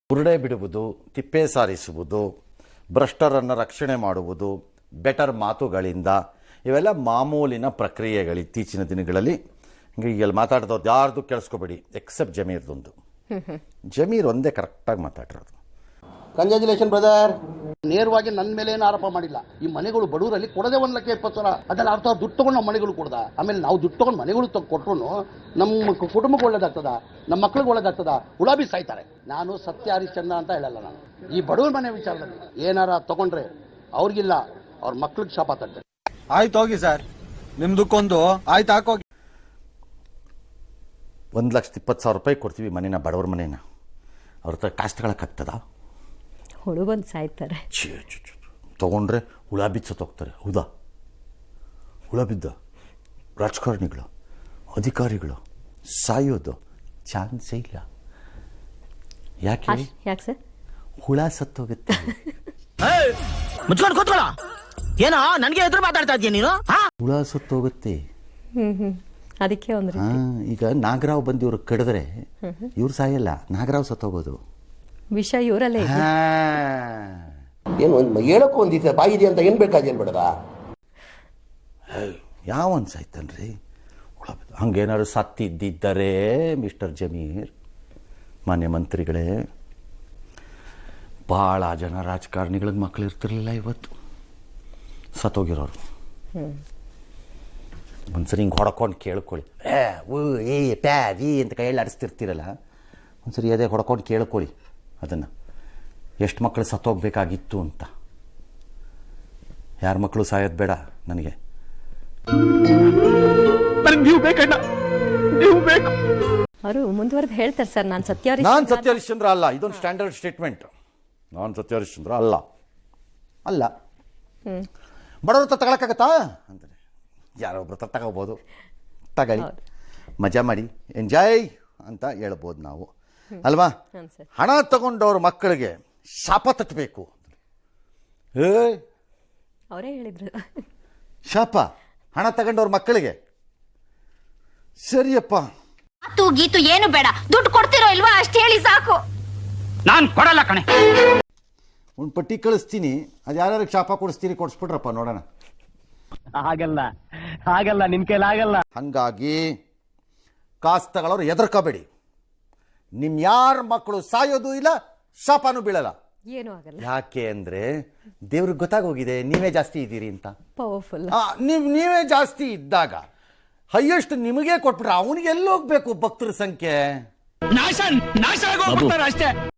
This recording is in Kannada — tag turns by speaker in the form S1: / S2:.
S1: ಬುರುಡೆ ಬಿಡುವುದು, ತಿಪ್ಪೆ ಸಾರಿಸುವುದು, ಭ್ರಷ್ಟರನ್ನು ರಕ್ಷಣೆ ಮಾಡುವುದು, ಬೆಟರ್ ಮಾತುಗಳಿಂದ, ಇವೆಲ್ಲ ಮಾಮೂಲಿನ ಪ್ರಕ್ರಿಯೆಗಳು ಇತ್ತೀಚಿನ ದಿನಗಳಲ್ಲಿ. ಈಗ ಮಾತಾಡ್ದವ್ರು ಯಾರ್ದು ಕೇಳಿಸ್ಕೋಬೇಡಿ, ಎಕ್ಸೆಪ್ಟ್ ಜಮೀರ್ದೊಂದು. ಜಮೀರ್ ಒಂದೇ ಕರೆಕ್ಟಾಗಿ ಮಾತಾಡಿರೋದು.
S2: Congratulation brother. ನೇರವಾಗಿ ನನ್ನ ಮೇಲೆ ಏನು ಆರೋಪ ಮಾಡಿಲ್ಲ. ಈ ಮನೆಗಳು ಬಡವರಲ್ಲಿ ಕೊಡದೆ 1,20,000 ಅದೆಲ್ಲ ಅರ್ಥ ದುಡ್ಡು ತಗೊಂಡು ನಮ್ಮ ಮನೆಗಳು ಕೊಡ್ದ. ಆಮೇಲೆ ನಾವು ದುಡ್ಡು ತಗೊಂಡು ಮನೆಗಳು ಕೊಟ್ಟರು ನಮ್ಮ ಕುಟುಂಬಕ್ಕೆ ಒಳ್ಳೇದಾಗ್ತದ, ನಮ್ಮ ಮಕ್ಳಿಗೆ ಒಳ್ಳೇದಾಗ್ತದ. ಹುಳಾಬಿ ಸಾಯ್ತಾರೆ. ನಾನು ಸತ್ಯ ಹರಿಶ್ಚಂದ್ರ ಅಂತ ಹೇಳಲ್ಲ. ನಾನು ಈ ಬಡವರ ಮನೆ ವಿಚಾರದಲ್ಲಿ ಏನಾರ ತಗೊಂಡ್ರೆ ಅವ್ರಿಗಿಲ್ಲ, ಅವ್ರ ಮಕ್ಳಿಗೆ ಶಾಪ ತಟ್ಟೆ.
S3: ಆಯ್ತು ಹೋಗಿ ಸರ್, ನಿಮ್ದಕ್ಕೊಂದು ಆಯ್ತು ಹಾಕೋಗಿ.
S1: 1,20,000 ರೂಪಾಯಿ ಕೊಡ್ತೀವಿ ಮನೇನ, ಬಡವ್ರ ಮನೇನ. ಅವ್ರ ಹತ್ರ ಕಾಸು ತಗೊಳಕ್ಕಾಗ್ತದ?
S4: ಹುಳು ಬಂದು ಸಾಯ್ತಾರೆ.
S1: ತೊಗೊಂಡ್ರೆ ಹುಳ ಬಿದ್ದು ಸತ್ತೋಗ್ತಾರೆ. ಹೌದಾ? ಹುಳ ಬಿದ್ದ ರಾಜಕಾರಣಿಗಳು, ಅಧಿಕಾರಿಗಳು ಸಾಯೋದು ಚಾನ್ಸೇ ಇಲ್ಲ. ಯಾಕೆ
S4: ಸರ್?
S1: ಹುಳ ಸತ್ತೋಗುತ್ತೆ.
S5: ಮುಚ್ಕೊಂಡು ಕೂತ್ಕೊಳ್ಳ. ಏನೋ ನನಗೆ ಎದುರು ಮಾತಾಡ್ತಾ ಇದೀಯ ನೀನು?
S1: ಹುಳ ಸತ್ತೋಗುತ್ತೆ.
S4: ಅದಕ್ಕೆ ಒಂದು
S1: ಈಗ ನಾಗರಾವ್ ಬಂದು ಇವ್ರು ಕಡಿದ್ರೆ ಇವ್ರು ಸಾಯಲ್ಲ, ನಾಗರಾವ್ ಸತ್ತೋಗೋದು.
S4: ವಿಷ ಇವರಲ್ಲೇ
S2: ಏನು ಹೇಳಕ್ಕೂ ಒಂದಿದೆ ಬಾಯಿದೆ ಅಂತ ಏನ್ ಬೇಕಾದೇನು ಬೇಡದ?
S1: ಯಾವನ್ ಸಾಯ್ತಾನ್ರಿ? ಹುಳ ಹಂಗೇನಾದ್ರು ಸತ್ತಿದ್ದರೆ ಮಿಸ್ಟರ್ ಜಮೀರ್, ಮಾನ್ಯ ಮಂತ್ರಿಗಳೇ, ಭಾಳ ಜನ ರಾಜಕಾರಣಿಗಳಿಗೆ ಮಕ್ಕಳು ಇರ್ತಿರ್ಲಿಲ್ಲ ಇವತ್ತು ಸತ್ತೋಗಿರೋರು. ಒಂದ್ಸರಿ ಹಿಂಗೆ ಹೊಡ್ಕೊಂಡು ಕೇಳ್ಕೊಳ್ಳಿ. ಏ ಪ್ಯಾ ವಿ ಅಂತ ಕೈಯಲ್ಲಿ ಆಡಿಸ್ತಿರ್ತೀರಲ್ಲ, ಒಂದ್ಸರಿ ಅದೇ ಹೊಡ್ಕೊಂಡು ಕೇಳ್ಕೊಳ್ಳಿ ಅದನ್ನು, ಎಷ್ಟು ಮಕ್ಕಳು ಸತ್ತೋಗ್ಬೇಕಾಗಿತ್ತು ಅಂತ. ಯಾರ ಮಕ್ಕಳು ಸಾಯೋದು ಬೇಡ ನನಗೆ.
S5: ನೀವು ಬೇಕಣ್ಣ, ನೀವು ಬೇಕು.
S4: ಅವರು ಮುಂದುವರೆದು ಹೇಳ್ತಾರೆ ಸರ್, ನಾನು ಸತ್ಯ
S1: ಹರಿಶ್ಚಂದ್ರ ಅಲ್ಲ. ಇದೊಂದು ಸ್ಟ್ಯಾಂಡರ್ಡ್ ಸ್ಟೇಟ್ಮೆಂಟ್. ನಾನು ಸತ್ಯ ಹರಿಶ್ಚಂದ್ರ ಅಲ್ಲ. ಬಡವ್ರ ಹತ್ರ ತಗೊಳಕ್ಕಾಗತ್ತಾ ಅಂತಾರೆ. ಯಾರೊಬ್ರ ಹತ್ರ ತಗೋಬೋದು, ತಗೊಳ್ಳಿ, ಮಜಾ ಮಾಡಿ, ಎಂಜಾಯ್ ಅಂತ ಹೇಳ್ಬೋದು ನಾವು, ಅಲ್ವಾ? ಹಣ ತಗೊಂಡವ್ರ ಮಕ್ಕಳಿಗೆ ಶಾಪ ತಟ್ಟಬೇಕು.
S4: ಅವರೇ ಹೇಳಿದ್ರು
S1: ಶಾಪ ಹಣ ತಗೊಂಡವ್ರ ಮಕ್ಕಳಿಗೆ. ಸರಿಯಪ್ಪ,
S6: ಗೀತು ಏನು ಬೇಡ, ದುಡ್ಡು ಕೊಡ್ತಿರೋ ಇಲ್ವಾ ಅಷ್ಟು ಹೇಳಿ ಸಾಕು.
S5: ನಾನು ಕೊಡಲ್ಲ ಕಣೆ.
S1: ಒಂದು ಪಟ್ಟಿ ಕಳಿಸ್ತೀನಿ, ಅದು ಯಾರ್ಯಾರಿಗೆ ಶಾಪ ಕೊಡಿಸ್ತೀರಿ ಕೊಡಿಸ್ಬಿಟ್ರಪ್ಪ ನೋಡೋಣ.
S5: ಹಾಗಲ್ಲ ನಿನ್ ಕೈಲಿ ಆಗಲ್ಲ.
S1: ಹಂಗಾಗಿ ಕಾಸು ತಗೊಳ್ಳೋರು ಹೆದರ್ಕೋಬೇಡಿ. ನಿಮ್ ಯಾರ ಮಕ್ಕಳು ಸಾಯೋದು ಇಲ್ಲ, ಶಾಪನೂ ಬೀಳಲ್ಲ.
S4: ಏನೂ ಆಗಲ್ಲ.
S1: ಯಾಕೆ ಅಂದ್ರೆ ದೇವ್ರಿಗೆ ಗೊತ್ತಾಗೋಗಿದೆ ನೀವೇ ಜಾಸ್ತಿ ಇದ್ದೀರಿ ಅಂತ.
S4: ಪವರ್ಫುಲ್.
S1: ನೀವೇ ಜಾಸ್ತಿ ಇದ್ದಾಗ ಹೈಯೆಸ್ಟ್ ನಿಮಗೆ ಕೊಟ್ಬಿಟ್ರೆ ಅವನಿಗೆ ಎಲ್ಲೋಗ್ಬೇಕು ಭಕ್ತರ ಸಂಖ್ಯೆ?
S5: ನಾಶ ಆಗೋಗ್ಬಿಡ್ತಾರೆ ಅಷ್ಟೇ.